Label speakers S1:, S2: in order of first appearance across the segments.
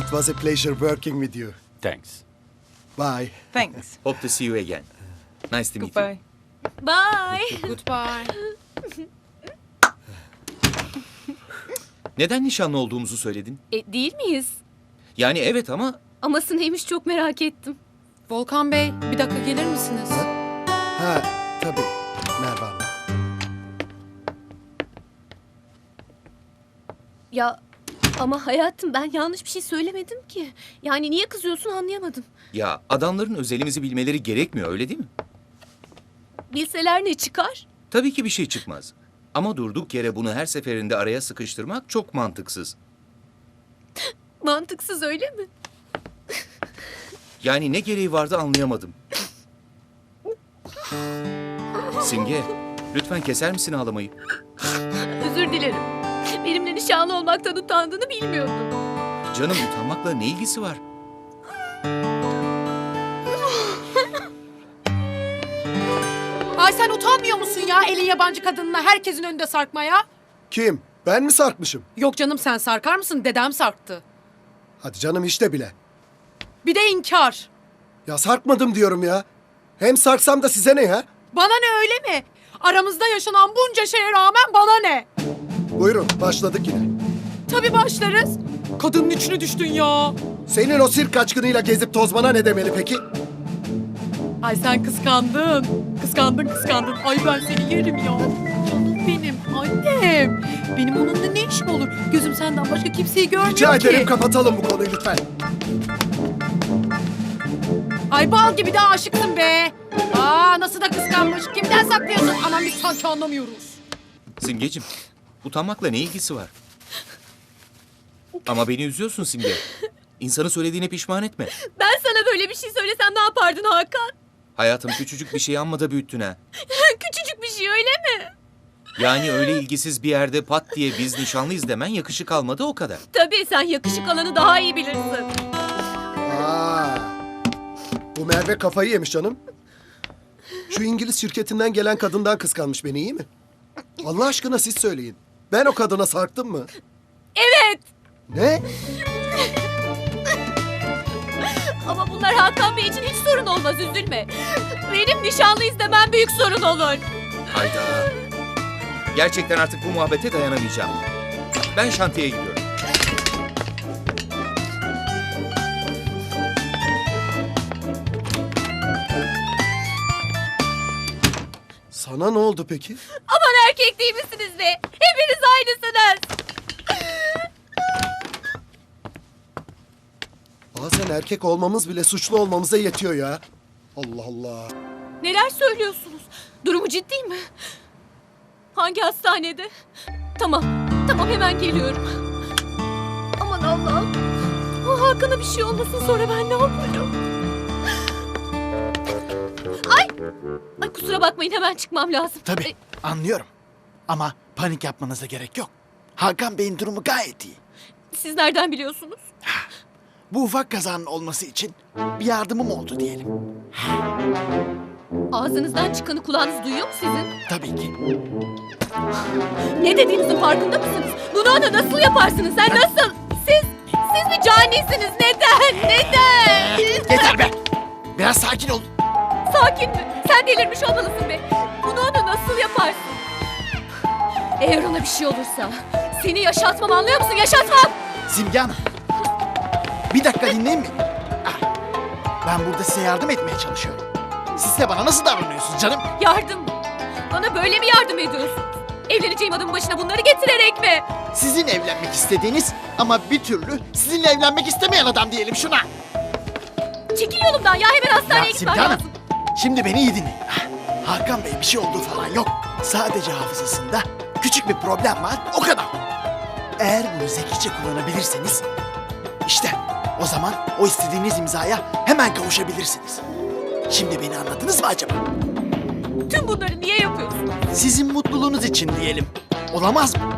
S1: It was a pleasure working with you.
S2: Thanks.
S1: Bye.
S3: Thanks.
S2: Hope to see you again. Nice to meet you.
S3: Goodbye.
S4: Bye.
S3: Goodbye.
S2: Neden nişanlı olduğumuzu söyledin?
S4: Değil miyiz?
S2: Yani evet ama
S4: Aması neymiş çok merak ettim.
S3: Volkan Bey, bir dakika gelir misiniz?
S1: Ha, tabii. Merhaba Hanım.
S4: Ya ama hayatım ben yanlış bir şey söylemedim ki. Yani niye kızıyorsun anlayamadım.
S2: ya adamların özelimizi bilmeleri gerekmiyor öyle değil mi?
S4: Bilseler ne çıkar?
S2: Tabii ki bir şey çıkmaz. Ama durduk yere bunu her seferinde araya sıkıştırmak çok mantıksız.
S4: Mantıksız öyle mi?
S2: Yani ne gereği vardı anlayamadım. Simge, lütfen keser misin ağlamayı?
S4: Özür dilerim. Benimle nişanlı olmaktan utandığını bilmiyordum.
S2: Canım utanmakla ne ilgisi var?
S3: Ay sen utanmıyor musun ya elin yabancı kadınına herkesin önünde sarkmaya?
S1: Kim? Ben mi sarkmışım?
S3: Yok canım sen sarkar mısın? Dedem sarktı.
S1: Hadi canım işte bile.
S3: Bir de inkar.
S1: Ya sarkmadım diyorum ya. Hem sarksam da size ne ya?
S3: Bana ne öyle mi? Aramızda yaşanan bunca şeye rağmen bana ne?
S1: Buyurun başladık yine.
S3: Tabii başlarız. Kadının içine düştün ya.
S1: Senin o sirk kaçkınıyla gezip tozmana ne demeli peki?
S3: Ay sen kıskandın. Kıskandın. Ay ben seni yerim ya. Canım benim annem. Benim onunla ne işim olur? Gözüm senden başka kimseyi görmüyor
S1: Rica
S3: ki.
S1: ederim kapatalım bu konuyu lütfen.
S3: Ay bal gibi de aşıksın be. Aa nasıl da kıskanmış. Kimden saklıyorsun? Aman biz sanki anlamıyoruz.
S2: Simgeciğim, utanmakla ne ilgisi var? Ama beni üzüyorsun Simge. İnsanı söylediğine pişman etme.
S4: Ben sana böyle bir şey söylesem ne yapardın Hakan?
S2: Hayatım küçücük bir şey amma da büyüttün ha.
S4: Küçücük bir şey öyle mi?
S2: Yani öyle ilgisiz bir yerde pat diye biz nişanlıyız demen yakışık almadı o kadar.
S4: Tabii sen yakışık alanı daha iyi bilirsin.
S1: Aa, bu Merve kafayı yemiş canım. Şu İngiliz şirketinden gelen kadından kıskanmış beni iyi mi? Allah aşkına siz söyleyin. Ben o kadına sarktım mı?
S4: Evet.
S1: Ne?
S4: Ama bunlar Hakan Bey için hiç sorun olmaz üzülme. Benim nişanlıyız demem büyük sorun olur.
S2: Hayda. Gerçekten artık bu muhabbete dayanamayacağım. Ben şantiyeye gidiyorum.
S1: Sana ne oldu peki?
S4: Aman erkek değil misiniz be? Hepiniz aynısınız.
S1: Bazen erkek olmamız bile suçlu olmamıza yetiyor ya. Allah Allah.
S4: Neler söylüyorsunuz? Durumu ciddi mi? Hangi hastanede? Tamam hemen geliyorum. Aman Allah'ım. O Hakan'a bir şey olmasın sonra ben ne yaparım? Ay kusura bakmayın hemen çıkmam lazım.
S5: Tabii anlıyorum. Ama panik yapmanıza gerek yok. Hakan Bey'in durumu gayet iyi.
S4: Siz nereden biliyorsunuz?
S5: Bu ufak kazanın olması için bir yardımım oldu diyelim.
S4: Ağzınızdan çıkanı kulağınız duyuyor mu sizin?
S5: Tabii ki.
S4: Ne dediğinizin farkında mısınız? Bunu ona nasıl yaparsınız? Sen nasıl? Siz mi canisiniz? Neden?
S5: Yeter be! Biraz sakin ol.
S4: Sakin mi? Sen delirmiş olmalısın be. Bunu ona nasıl yaparsın? Eğer ona bir şey olursa seni yaşatmam anlıyor musun? Yaşatmam!
S5: Simge Hanım. Bir dakika dinleyin beni. Ah, ben burada size yardım etmeye çalışıyorum. Siz de bana nasıl davranıyorsunuz canım?
S4: Yardım mı? Bana böyle mi yardım ediyorsun? Evleneceğim adamın başına bunları getirerek mi?
S5: Sizin evlenmek istediğiniz ama bir türlü sizinle evlenmek istemeyen adam diyelim şuna.
S4: Çekil yolumdan ya hemen hastaneye
S5: Simge
S4: gitmem
S5: Hanım,
S4: lazım.
S5: şimdi beni iyi dinleyin. Hakan Bey bir şey olduğu falan yok. Sadece hafızasında küçük bir problem var, o kadar. Eğer bunu zekice kullanabilirseniz, işte o zaman o istediğiniz imzaya hemen kavuşabilirsiniz. Şimdi beni anladınız mı acaba?
S4: Tüm bunları niye yapıyorsun?
S5: Sizin mutluluğunuz için diyelim. Olamaz mı?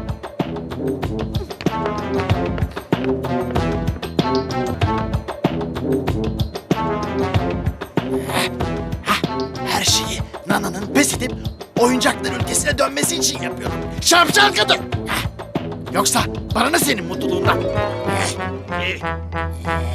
S5: Her şeyi Nana'nın pes edip oyuncaklar ülkesine dönmesi için yapıyorum. Şapşal kadın! Yoksa bana ne senin mutluluğundan? Hadi.